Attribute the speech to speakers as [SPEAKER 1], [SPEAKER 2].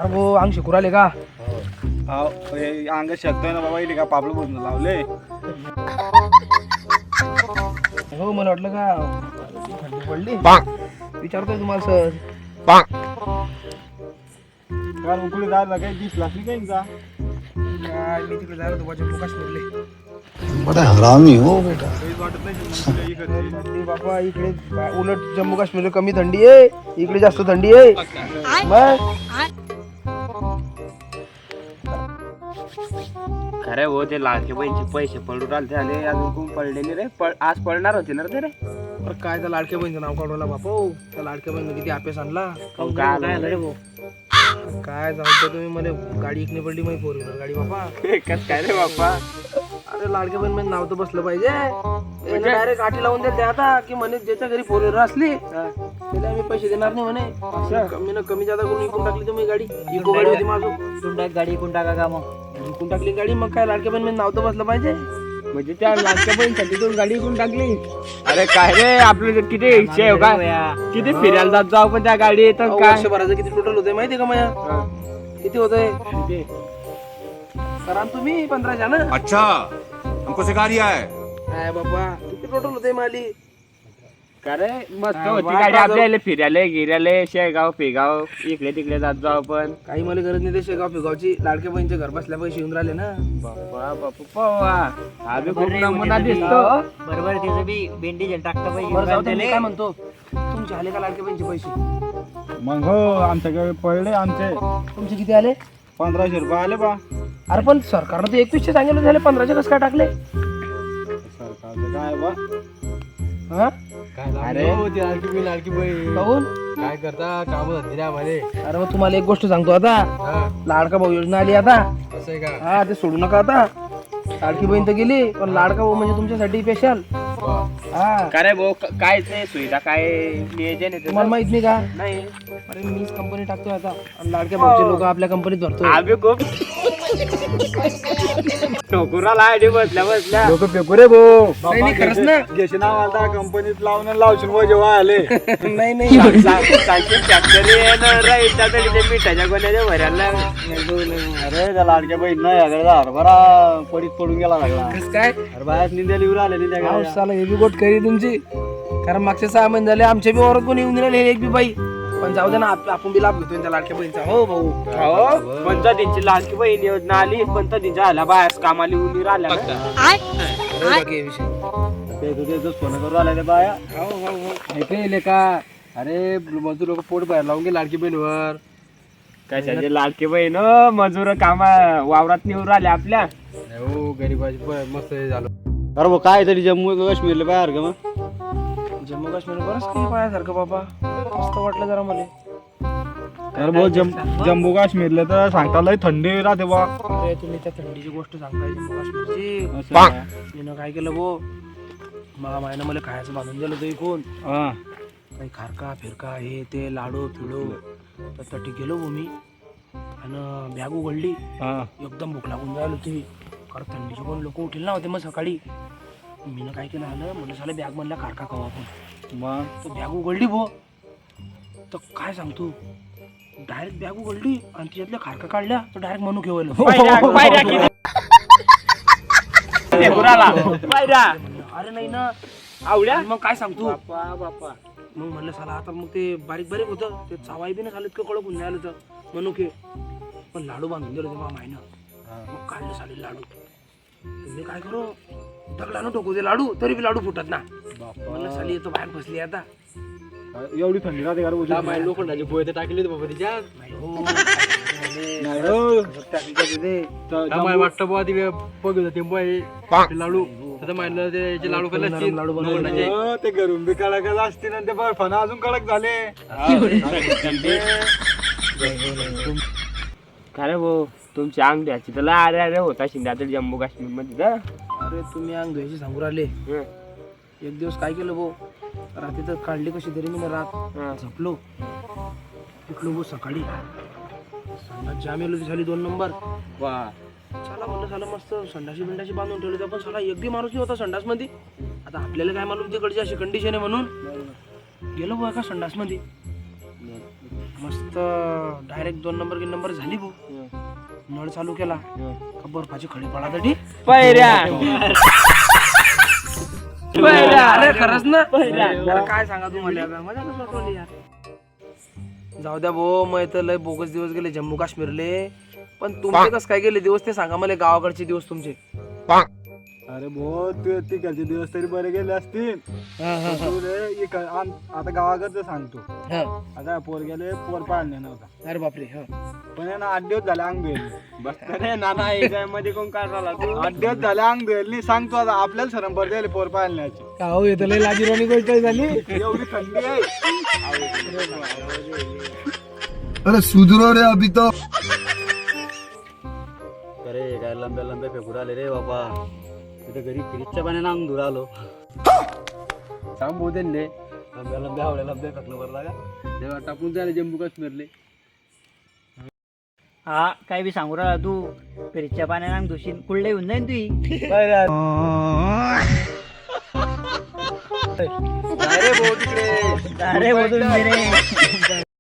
[SPEAKER 1] अरे भाऊ अंग शिकू राहिले का?
[SPEAKER 2] अंग शकतोय ना बाबा, इथे का पापलं बोलणं लावले.
[SPEAKER 1] हो मला वाटलं का थंडी पडली विचारतोय तुम्हाला सर.
[SPEAKER 2] कारण कुठे जायला काही दिसला नाही काही का?
[SPEAKER 1] काय मी तिकडे जायला होतो जम्मू काश्मीरले.
[SPEAKER 3] बड़ा हरामी हो बेटा.
[SPEAKER 2] काहीच वाटत नाही जम्मू इकडे.
[SPEAKER 1] थंडी बाबा इकडे उलट जम्मू काश्मीरला कमी थंडी आहे, इकडे जास्त थंडी आहे. मग
[SPEAKER 4] खरे हो ते लाडके बहिणीचे पैसे पडून आले झाले, अजून कोण पडले नाही रे. आज पडणार होते ना रे ते रे.
[SPEAKER 1] अरे काय त्या लाडक्या बहिणीचं नाव काढवला बापा. त्या लाडक्या बहिणी किती अभ्यास आणला.
[SPEAKER 4] काय आलं रे भाऊ?
[SPEAKER 1] काय सांगतो तुम्ही, मला गाडी इकणी पडली माहिती फोर व्हीलर गाडी बापा.
[SPEAKER 4] कस काय रे बाप्पा?
[SPEAKER 1] अरे लाडक्या बहीण मध्ये नाव तर बसलं पाहिजे. डायरेक्ट आठी लावून देते आता की म्हणे ज्याच्या घरी फोर व्हीलर असली त्याला आम्ही पैसे देणार नाही म्हणे. कमी ना कमी जादा करून विकून टाकली तुम्ही गाडी. इको गाडी होती माझं,
[SPEAKER 4] गाडी कोण टाका का मग?
[SPEAKER 1] विकून टाकली गाडी. मग काय लाडक्या बहीण मध्ये नाव तर बसलं पाहिजे.
[SPEAKER 4] म्हणजे त्या लाडक्या बहिणीसाठी तू गाडी कोण टाकली? अरे काय रे, आपलं किती इच्छा आहे का? किती फिरायला जात जाऊ पण त्या गाडी येतात
[SPEAKER 1] अहो,
[SPEAKER 4] काय?
[SPEAKER 1] वर्षभराचं किती टोटल होतंय माहितीये का माझ्या? किती होतंय सर? तुम्ही 15 ना?
[SPEAKER 3] अच्छा हमको सिखा रिया है.
[SPEAKER 1] काय बाबा किती टोटल होतंय माली?
[SPEAKER 4] का रे मस्त
[SPEAKER 1] हा,
[SPEAKER 4] होती
[SPEAKER 1] वा,
[SPEAKER 4] गाडी
[SPEAKER 1] वा,
[SPEAKER 4] आपल्याला फिरायला गिरायला, शेगाव फेगाव इकडे तिकडे जात जाऊ आपण.
[SPEAKER 1] काही मला गरज नाही ते शेगाव फिगावची. लाडक्या बहिणीचे घर बसल्या पैसे येऊन राहिले ना.
[SPEAKER 4] बाप्पा बाप्पा आम्ही खूप नमुना दिसतो.
[SPEAKER 5] बरोबर त्याचं बी बेंडेज टाकता
[SPEAKER 1] बरं जाऊ दे, मी काय म्हणतो, तुमचे आले का लाडक्या बहिणीचे पैसे?
[SPEAKER 2] मग हो आमच्याकडे पडले आमचे
[SPEAKER 1] तुमचे किती आले?
[SPEAKER 2] 1500 रुपये आले बा.
[SPEAKER 1] अरे पण सरकारनं तर 2100 सांगितलं, झाले 1500 कसं काय टाकले?
[SPEAKER 2] सरकारचं काय बा?
[SPEAKER 1] हा
[SPEAKER 4] अरे
[SPEAKER 5] लाडकी बहीण
[SPEAKER 1] काहून?
[SPEAKER 5] काय करता काम धंदे आम्हाला.
[SPEAKER 1] अरे मग तुम्हाला एक गोष्ट सांगतो आता, लाडका भाऊ योजना आली आता.
[SPEAKER 5] असं आहे का?
[SPEAKER 1] हा ते सोडू नका आता. लाडकी बहीण तर गेली पण लाडका भाऊ म्हणजे तुमच्यासाठी स्पेशल. हा
[SPEAKER 4] का रे भाऊ काय ते सुविधा काय नियोजन आहे
[SPEAKER 1] तुम्हाला माहित नाही का?
[SPEAKER 4] नाही?
[SPEAKER 1] अरे मीच कंपनी टाकतोय आता आणि लाडक्या भाऊचे लोक आपल्या कंपनीत भरतोय.
[SPEAKER 4] आम्ही खूप ठोकुराला आयडी बसल्या बसल्या
[SPEAKER 2] लोक फेकू रे भाऊ.
[SPEAKER 1] नाही नाही खरंच ना.
[SPEAKER 2] घेशी नाव आलता कंपनीत लावून लावशील व जेव्हा आले.
[SPEAKER 1] नाही नाही
[SPEAKER 4] मिठाच्या गोण्याच्या भरायला.
[SPEAKER 2] अरे त्या लाडक्या बहीण नाही याकडे हरभरा पडीत पडून गेला लागला.
[SPEAKER 1] कसं काय?
[SPEAKER 2] अरे बाहेर निंद्याला येऊन आले नाही त्या गाड्या.
[SPEAKER 1] पावसाला हे बी गोट करी तुमची. कारण मागचे 6 महिने झाले आमच्या बी वरात कोणी येऊन राहिले एक बी बाई. पण जाऊ दे ना, आपण बी लाभ घेतोय त्या लाडक्या बहिणीचा. हो भाऊ.
[SPEAKER 4] हो पंचायतींची लाडकी बहीण योजना आली, पंचायतींच्या आल्या बायास कामाला येऊन राहिल्या ना.
[SPEAKER 1] अरे बाकी हे विषय.
[SPEAKER 2] ते तुझे फोन करून आले रे बाया.
[SPEAKER 1] हो हो हो.
[SPEAKER 5] ऐकले का? अरे मजूर लोक पोट बाहेर लावून गे लाडकी बहीणवर.
[SPEAKER 4] कशाचे लाडकी बहीण मजूर कामा वावरात नेऊन राहिल्या आपल्या.
[SPEAKER 5] हो गरीबाची मस्त हे झालं.
[SPEAKER 2] अरे भाऊ काय तरी जम्मू काश्मीरला बाहेर का मग?
[SPEAKER 1] जम्मू काश्मीर बरंच काही पायासारखं बाबा. मस्त वाटलं जरा मला.
[SPEAKER 2] अरे भाऊ जम्मू काश्मीरला तर सांगता लय थंडी राहते बा.
[SPEAKER 1] अरे तुम्ही त्या थंडीची गोष्ट सांगताय जम्मू काश्मीरची. मी काय केलं भाऊ, मायनं मला खायचं बांधून दिलं होतं इकून. काही खारका फिरका हे ते लाडू फिडू तर तटी गेलो भाऊ मी. आणि बॅग उघडली, एकदम भूक लागून जायला होती. कारण थंडीचे कोण लोक उठेल ना होते मग सकाळी. मीनं काय केलं आलं म्हणलं साला बॅग मधला खारका खाऊ आपण.
[SPEAKER 2] मग
[SPEAKER 1] तर बॅग उघडली भो, तर काय सांगतो, डायरेक्ट बॅग उघडली आणि त्याच्यातल्या खारका काढल्या तर डायरेक्ट म्हणू घेवलं. अरे नाही ना
[SPEAKER 4] आवड्या
[SPEAKER 1] आणि मग काय सांगतो,
[SPEAKER 4] बापा
[SPEAKER 1] मग म्हणलं साला आता मग ते बारीक बारीक होतं ते चावाई बी नाही झालं इतकं कडक होऊन होतं मनुके. पण लाडू बांधून दिलं तेव्हा मायनं. मग काढलं साले लाडू. तुम्ही काय करू, दगडानं टोकू दे लाडू तरी बी लाडू फुटत ना. म्हणलं साली येतो बाहेर फसली आता.
[SPEAKER 2] एवढी थंडी राहते का?
[SPEAKER 5] लोखंडाची पोहे तर टाकली बाबा तिच्यात.
[SPEAKER 1] नाही हो.
[SPEAKER 5] वाटतं बुवा ती बघत होती बोय लाडू. आता माहिती त्याचे लाडू खाल्ले असतील.
[SPEAKER 1] लाडू बनवले.
[SPEAKER 2] ते घरून बी कडक असतील आणि ते बर्फानं अजून कडक झाले.
[SPEAKER 4] खरे भाऊ तुमची अंग द्यायची तर अरे अरे होता शिंद्या जम्मू काश्मीर मध्ये.
[SPEAKER 1] अरे तुम्ही अंग धुवायची सांगू राहिले. एक दिवस काय केलं भाऊ, रात्री तर काढली कशी तरी मी रात झोपलो. उठलो भाऊ सकाळी, संडास जाम येलो झाली 2 नंबर. चला म्हणलं साला मस्त संडाशी बिंडाशी बांधून ठेवलं. पण साला एक बी माणूस होता संडास मध्ये. आता आपल्याला काय मालूम तिकडची अशी कंडिशन आहे म्हणून. गेलो भाऊ एका संडास मध्ये, मस्त डायरेक्ट 2 नंबर झाली भाऊ. नळ चालू केला का बर्फाची खडी पडासाठी
[SPEAKER 4] पैऱ्या
[SPEAKER 1] अरे खरंच ना अरे काय सांगा तुम्हाला आता मजा कसं वाटवली यार. जाऊ द्या भाऊ मग तर लय बोगस दिवस गेले जम्मू काश्मीरले. पण तुमचे कसं काय गेले दिवस ते सांगा मला. गावाकडचे दिवस तुमचे.
[SPEAKER 2] अरे भाऊ तू तिकडचे दिवस तरी बरे गेले असतील. तू रे आता गावाकडचं सांगतो. आता पोर गेले पोर पाळणे नव्हता.
[SPEAKER 1] अरे बापरे.
[SPEAKER 2] पण आहे ना 8 दिवस झाले अंग बेल.
[SPEAKER 4] अरे नाना याच्या मध्ये कोण काय झाला तू
[SPEAKER 2] 8 दिवस झाले अंग बेल सांगतो. आता आपल्याला सरम पडले पोर पाळण्याची.
[SPEAKER 1] हो येतं लय लाजीरवाणी गोष्ट झाली.
[SPEAKER 2] एवढी थंडी आहे.
[SPEAKER 3] अरे सुधरो रे अभी तो.
[SPEAKER 6] अरे काय लंब्या फेकून आले रे बाबा. तिथे घरी फ्रीजच्या पाण्यानं अंग धुर आलो.
[SPEAKER 4] सांग भाऊ त्यांनी
[SPEAKER 6] लंब्या हवड्या लंब्या फेकलं बरं लागा.
[SPEAKER 5] तेव्हा टाकून झाले जम्मू काश्मीरले.
[SPEAKER 7] हा काय बी सांगू राहिला तू. फ्रीजच्या पाण्यानं धुशीन कुठले येऊन जाईन तुही.
[SPEAKER 4] अरे भाऊ तिकडे
[SPEAKER 7] अरे बोलून रे